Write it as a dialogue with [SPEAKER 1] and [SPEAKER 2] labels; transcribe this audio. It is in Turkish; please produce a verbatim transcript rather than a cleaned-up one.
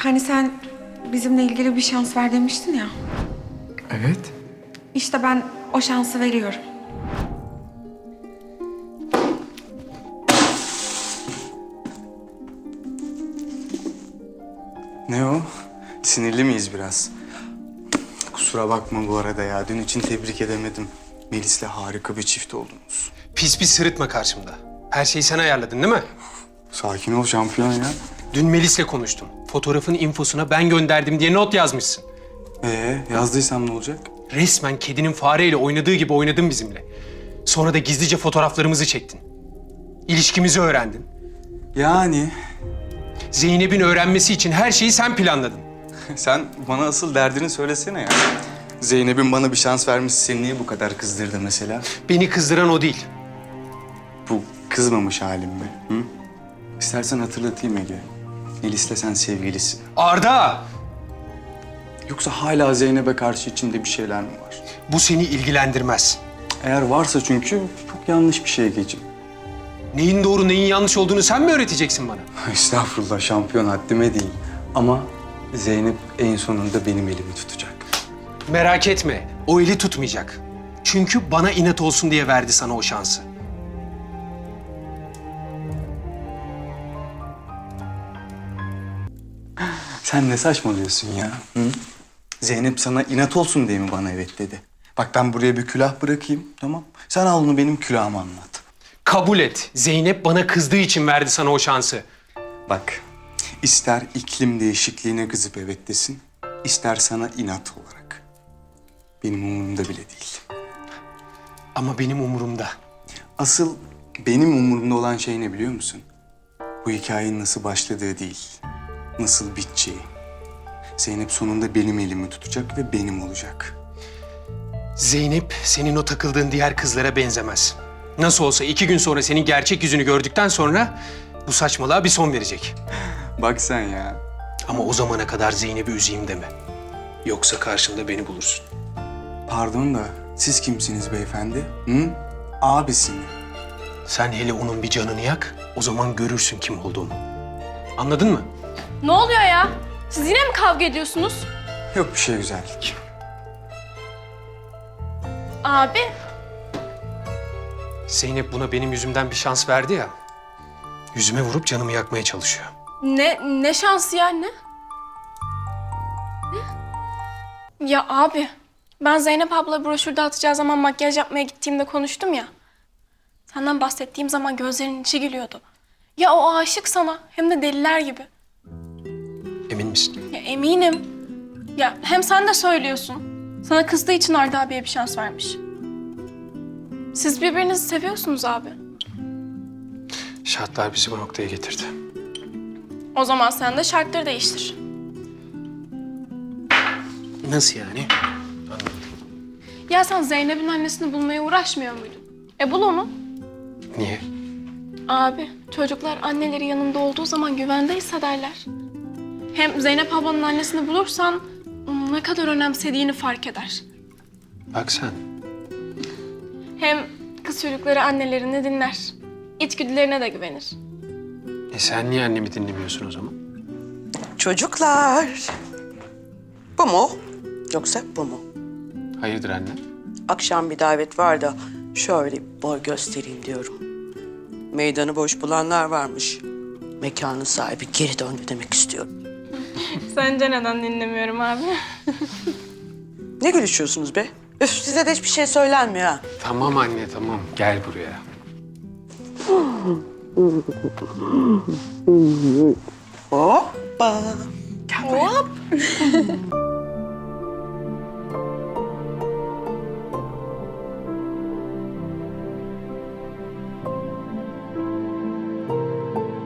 [SPEAKER 1] Hani sen bizimle ilgili bir şans ver demiştin ya.
[SPEAKER 2] Evet.
[SPEAKER 1] İşte ben o şansı veriyorum.
[SPEAKER 2] Ne o? Sinirli miyiz biraz? Kusura bakma bu arada ya. Dün için tebrik edemedim. Melis'le harika bir çift oldunuz.
[SPEAKER 3] Pis pis sırıtma karşımda. Her şeyi sen ayarladın değil mi?
[SPEAKER 2] Sakin ol şampiyon ya.
[SPEAKER 3] Dün Melis'le konuştum. Fotoğrafın infosuna ben gönderdim diye not yazmışsın.
[SPEAKER 2] Ee, yazdıysam ne olacak?
[SPEAKER 3] Resmen kedinin fareyle oynadığı gibi oynadın bizimle. Sonra da gizlice fotoğraflarımızı çektin. İlişkimizi öğrendin.
[SPEAKER 2] Yani
[SPEAKER 3] Zeynep'in öğrenmesi için her şeyi sen planladın.
[SPEAKER 2] sen bana asıl derdini söylesene ya. Zeynep'in bana bir şans vermesi seni niye bu kadar kızdırdı mesela?
[SPEAKER 3] Beni kızdıran o değil.
[SPEAKER 2] Bu kızmamış halim mi? Hı? İstersen hatırlatayım Ege. Melis'le sen sevgilisin.
[SPEAKER 3] Arda!
[SPEAKER 2] Yoksa hala Zeynep'e karşı içinde bir şeyler mi var?
[SPEAKER 3] Bu seni ilgilendirmez.
[SPEAKER 2] Eğer varsa çünkü çok yanlış bir şey Ege'ciğim.
[SPEAKER 3] Neyin doğru neyin yanlış olduğunu sen mi öğreteceksin bana?
[SPEAKER 2] Estağfurullah şampiyon haddime değil. Ama Zeynep en sonunda benim elimi tutacak.
[SPEAKER 3] Merak etme, o eli tutmayacak. Çünkü bana inat olsun diye verdi sana o şansı.
[SPEAKER 2] Sen ne saçmalıyorsun ya? Hı? Zeynep sana inat olsun diye mi bana evet dedi? Bak ben buraya bir külah bırakayım, tamam? Sen al onu benim külahıma anlat.
[SPEAKER 3] Kabul et. Zeynep bana kızdığı için verdi sana o şansı.
[SPEAKER 2] Bak, ister iklim değişikliğine kızıp evet desin, ister sana inat olarak. Benim umurumda bile değil.
[SPEAKER 3] Ama benim umurumda.
[SPEAKER 2] Asıl benim umurumda olan şey ne biliyor musun? Bu hikayenin nasıl başladığı değil, nasıl biteceği. Zeynep sonunda benim elimi tutacak ve benim olacak.
[SPEAKER 3] Zeynep senin o takıldığın diğer kızlara benzemez. Nasıl olsa iki gün sonra senin gerçek yüzünü gördükten sonra bu saçmalığa bir son verecek.
[SPEAKER 2] Bak sen ya.
[SPEAKER 3] Ama o zamana kadar Zeynep'i üzeyim deme. Yoksa karşımda beni bulursun.
[SPEAKER 2] Pardon da siz kimsiniz beyefendi? Hı? Abisi mi?
[SPEAKER 3] Sen hele onun bir canını yak, o zaman görürsün kim olduğunu. Anladın mı?
[SPEAKER 4] Ne oluyor ya? Siz yine mi kavga ediyorsunuz?
[SPEAKER 2] Yok bir şey güzellik.
[SPEAKER 4] Abi,
[SPEAKER 3] Zeynep buna benim yüzümden bir şans verdi ya. Yüzüme vurup canımı yakmaya çalışıyor.
[SPEAKER 4] ne ne şansı ya ne? Ne? Ya abi, ben Zeynep abla broşür dağıtacağı zaman makyaj yapmaya gittiğimde konuştum ya. Senden bahsettiğim zaman gözlerinin içi gülüyordu. Ya o aşık sana, hem de deliler gibi.
[SPEAKER 3] Emin misin?
[SPEAKER 4] Ya eminim. Ya hem sen de söylüyorsun. Sana kızdığı için Arda abiye bir şans vermiş. Siz birbirinizi seviyorsunuz abi.
[SPEAKER 3] Şartlar bizi bu noktaya getirdi.
[SPEAKER 4] O zaman sen de şartları değiştir.
[SPEAKER 3] Nasıl yani? Anlamadım.
[SPEAKER 4] Ya sen Zeynep'in annesini bulmaya uğraşmıyor muydun? E bul onu.
[SPEAKER 3] Niye?
[SPEAKER 4] Abi, çocuklar anneleri yanında olduğu zaman güvende hissederler. Hem Zeynep ablanın annesini bulursan onu ne kadar önemsediğini fark eder.
[SPEAKER 3] Bak sen.
[SPEAKER 4] Hem kız çocukları annelerini dinler. İçgüdülerine de güvenir.
[SPEAKER 3] E sen niye annemi dinlemiyorsun o zaman?
[SPEAKER 5] Çocuklar. Bu mu? Yoksa bu mu?
[SPEAKER 3] Hayırdır anne?
[SPEAKER 5] Akşam bir davet var da şöyle bir boy göstereyim diyorum. Meydanı boş bulanlar varmış. Mekanın sahibi geri döndü demek istiyorum.
[SPEAKER 4] Sence neden dinlemiyorum abi?
[SPEAKER 5] Ne gülüşüyorsunuz be? Üf, size de hiçbir şey söylenmiyor ha.
[SPEAKER 3] Tamam anne tamam. Gel buraya.
[SPEAKER 5] Hoppa. Gel buraya.
[SPEAKER 4] Hop!